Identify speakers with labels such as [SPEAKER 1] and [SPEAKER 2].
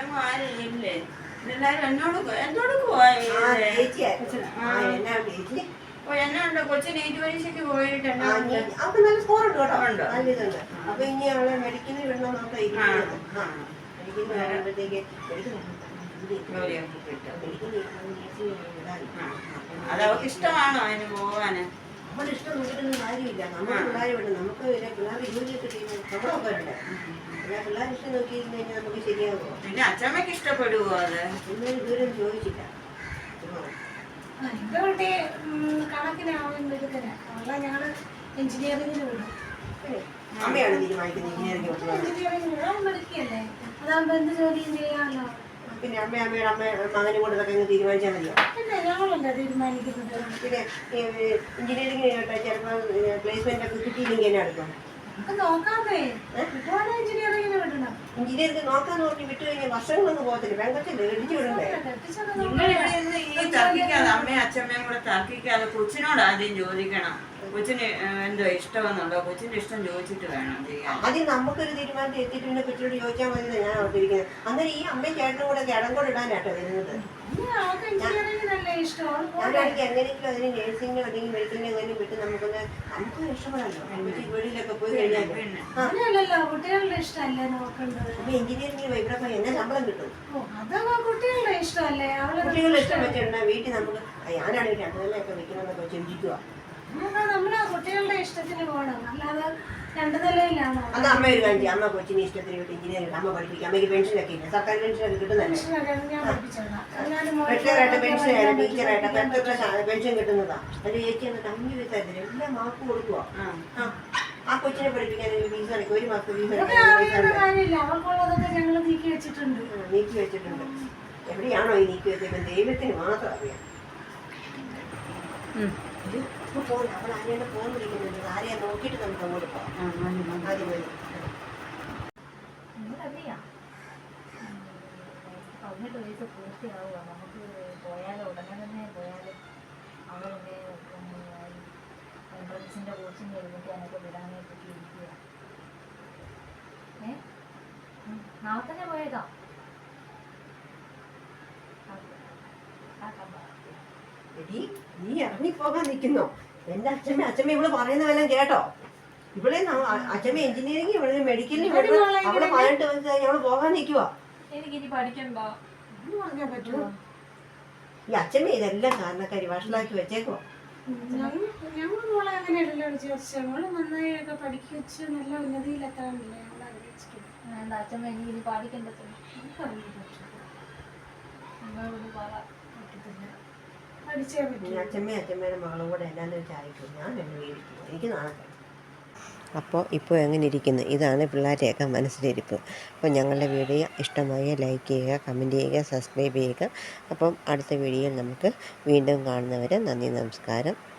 [SPEAKER 1] വേറെങ്ങും ആരും ഇല്ലേ? എല്ലാരും എന്നോട് പോയി. എന്നെ ഉണ്ടോ കൊച്ചു നീറ്റ് പരീക്ഷയ്ക്ക് പോയിട്ട്
[SPEAKER 2] അവർക്ക് നല്ല സ്കോർ ഉണ്ട് കേട്ടോ, നല്ല ഇതുണ്ട്. അപ്പൊ ഇനി അവളെ മെഡിക്കലിൽ വിടണം നോക്കാം ഇരിക്കുന്നത്. മെഡിക്കലിൽ വരുമ്പോഴത്തേക്ക്
[SPEAKER 1] അത് അവർക്ക് ഇഷ്ടമാണോ അതിന് പോവാന്?
[SPEAKER 2] നമ്മുടെ ഇഷ്ടം നോക്കിയിട്ടൊന്നും കാര്യമില്ല. നമ്മുടെ പിള്ളേരെ വിടണം. നമുക്ക് പിള്ളേർക്ക് ജോലിയൊക്കെ ചെയ്യുന്ന നമ്മളൊക്കെ ഉണ്ട്. പിള്ളേർ ഇഷ്ടം നോക്കിയിരുന്നു കഴിഞ്ഞാൽ നമുക്ക് ശരിയാകുമോ?
[SPEAKER 1] പിന്നെ അച്ഛമ്മക്ക് ഇഷ്ടപ്പെടുവോ? അത്
[SPEAKER 2] ഇന്നൊരു ദൂരം ചോദിച്ചില്ല.
[SPEAKER 3] എന്റെ കുട്ടി കണക്കിനാവും എടുക്കല അവളെ ഞങ്ങള് എഞ്ചിനീയറിംഗിന് വിടും.
[SPEAKER 2] അമ്മയാണ് തീരുമാനിക്കുന്നത്
[SPEAKER 3] എഞ്ചിനീയറിംഗിന് വിടാൻ പഠിക്കല്ലേ, അതാകുമ്പോ എന്ത് ജോലിയും ചെയ്യാമല്ലോ.
[SPEAKER 2] പിന്നെ അമ്മയുടെ മകനും കൂടെ ഇതൊക്കെ തീരുമാനിച്ചാൽ മതിയോ?
[SPEAKER 3] പിന്നെ ഞങ്ങളല്ലേ തീരുമാനിക്കുന്നത്.
[SPEAKER 2] പിന്നെ എഞ്ചിനീയറിംഗ് ചിലപ്പോൾ പ്ലേസ്മെന്റ് ഒക്കെ കിട്ടിയില്ലെങ്കിൽ എന്നെ എടുക്കും.
[SPEAKER 3] നോക്കാമേ, ഒരുപാട് എഞ്ചിനീയറിംഗിന് വിടണം.
[SPEAKER 2] എഞ്ചിനീയറിംഗ് നോക്കാന്ന് പറഞ്ഞ് വിട്ടു കഴിഞ്ഞാൽ വർഷങ്ങളൊന്നും പോകത്തില്ല. പെങ്കച്ചല്ലേ ഇടിച്ചു വിടണ്ടേ?
[SPEAKER 1] ഈ തർക്കിക്കാതെ അമ്മയും അച്ഛമ്മയും കൂടെ തർക്കിക്കാതെ കൊച്ചിനോട് ആദ്യം ചോദിക്കണം. കൊച്ചിന് എന്തോ ഇഷ്ടമെന്നുണ്ടോ? കൊച്ചിന്റെ ഇഷ്ടം ചോദിച്ചിട്ട് വേണം ചെയ്യാൻ.
[SPEAKER 2] ആദ്യം നമുക്കൊരു തീരുമാനത്തിൽ എത്തിയിട്ട് പിന്നെ കൊച്ചിനോട് ചോദിച്ചാൽ മതി ഞാൻ ഓർത്തിരിക്കുന്നത്. അന്നേരം ഈ അമ്മയും ചേട്ടനും കൂടെ കിടങ്കോട് ഇടാനാട്ടോ വരുന്നത്. ഞാനാണെങ്കിൽ എങ്ങനെയെങ്കിലും അതിന് നേഴ്സിംഗോ അല്ലെങ്കിൽ മെഡിക്കലിനോ എങ്ങനെയും വിട്ട് നമുക്ക് ഇഷ്ടപ്പെടാമല്ലോ. വെളിയിലൊക്കെ പോയി കഴിഞ്ഞാൽ
[SPEAKER 3] കുട്ടികളുടെ ഇഷ്ടമല്ലേ നോക്കേണ്ടത്.
[SPEAKER 2] അപ്പൊ എഞ്ചിനീയറിംഗിന് ഇവിടെ പോയി എന്നെ ശമ്പളം കിട്ടും.
[SPEAKER 3] കുട്ടികളുടെ ഇഷ്ടമല്ലേ?
[SPEAKER 2] കുട്ടികളുടെ ഇഷ്ടം വെച്ചിട്ടുണ്ടാ വീട്ടിൽ നമുക്ക് ഞാനാണെങ്കിൽ രണ്ടുനിലയൊക്കെ വെക്കണമെന്നൊക്കെ ചിന്തിക്കുക.
[SPEAKER 3] നമ്മളെ കുട്ടികളുടെ ഇഷ്ടത്തിന് പോകണം, അല്ലാതെ രണ്ടു നിലയിലാണോ?
[SPEAKER 2] അത് അമ്മ ഒരു കാര്യം, അമ്മ കൊച്ചിന് ഇഷ്ടത്തിന് വിട്ട് എഞ്ചിനീയറിംഗ് അമ്മ പഠിപ്പിക്കും. അമ്മയ്ക്ക് പെൻഷനൊക്കെ ഇല്ല, സർക്കാർ പെൻഷനൊക്കെ കിട്ടുന്നല്ലേ? റിട്ടയറായിട്ട് പെൻഷനായിട്ട് ടീച്ചറായിട്ട് എത്ര പെൻഷൻ കിട്ടുന്നതാ. അതിന് ചേച്ചി എന്നിട്ട് 5 വയസ്സായിരുന്നു എല്ലാം മാർക്ക് കൊടുക്കുക. ആ കൊച്ചിനെ പഠിപ്പിക്കാൻ ഫീസ് അടയ്ക്കും. ഒരു മാസം ഫീസ് നീക്കി വെച്ചിട്ടുണ്ട്. എവിടെയാണോ ഈ നീക്കി വെച്ചേക്കുന്നത് ദൈവത്തിന് മാത്രം അറിയാം. അവൾ ആരെയാണ് ഫോൺ വിളിക്കുന്നുണ്ട്. ആരെയാ നോക്കിയിട്ട് നമുക്ക് അങ്ങോട്ട് പോകാം. ആദ്യം മതി.
[SPEAKER 4] 18 വയസ്സ് പൂർത്തിയാവുക. നമുക്ക് പോയാലോ, ഉടനെ തന്നെ പോയാലും അവരെന്നെ എൻട്രൻസിൻ്റെ കോച്ചിങ് എടുക്കാനൊക്കെ വിടാനായിട്ടൊക്കെ ഇരിക്കുക. നാളെ തന്നെ പോയേക്കാം.
[SPEAKER 2] നീ ഇറങ്ങിപ്പോകാൻ നിൽക്കുന്നോ? എന്റെ അച്ഛമ്മ ഇവള് പറയുന്നതെല്ലാം കേട്ടോ? ഇവിടെ അച്ഛമ്മ എഞ്ചിനീയറിംഗ് ഇവിടെ മെഡിക്കലിന് അവിടെ 18 വയസ്സായി ഞങ്ങള് പോകാൻ നിൽക്കുക.
[SPEAKER 4] എനിക്കിനി പഠിക്കണ്ട പറ്റുമോ?
[SPEAKER 2] ഈ അച്ഛമ്മ ഇതെല്ലാം കാരണക്കാരി വഷളാക്കി വെച്ചേക്കോ.
[SPEAKER 3] ഞങ്ങൾ മോളെ അങ്ങനെയല്ലല്ലോ വിചാരിച്ചു. മോള് നന്നായൊക്കെ പഠിച്ച് നല്ല ഉന്നതിയിലെത്താനല്ലേ ഞങ്ങൾ ആഗ്രഹിച്ചിട്ടുണ്ട്.
[SPEAKER 4] എന്താ അച്ഛമ്മ എനിക്കിനി പഠിക്കണ്ട? അമ്മയോട് പറ, പറ്റത്തില്ല.
[SPEAKER 2] അച്ഛമ്മയുടെ മകളും കൂടെ എന്നാന്ന് വെച്ചായിരിക്കും ഞാൻ എന്നെ വീടിക്കും. എനിക്ക് നാളെ അപ്പോൾ ഇപ്പോൾ എങ്ങനെ ഇരിക്കുന്നു? ഇതാണ് പിള്ളേരെയൊക്കെ മനസ്സിലിരിപ്പ്. അപ്പോൾ ഞങ്ങളുടെ വീഡിയോ ഇഷ്ടമായ ലൈക്ക് ചെയ്യുക, കമൻറ്റ് ചെയ്യുക, സബ്സ്ക്രൈബ് ചെയ്യുക. അപ്പം അടുത്ത വീഡിയോയിൽ നമുക്ക് വീണ്ടും കാണുന്നവരെ നന്ദി, നമസ്കാരം.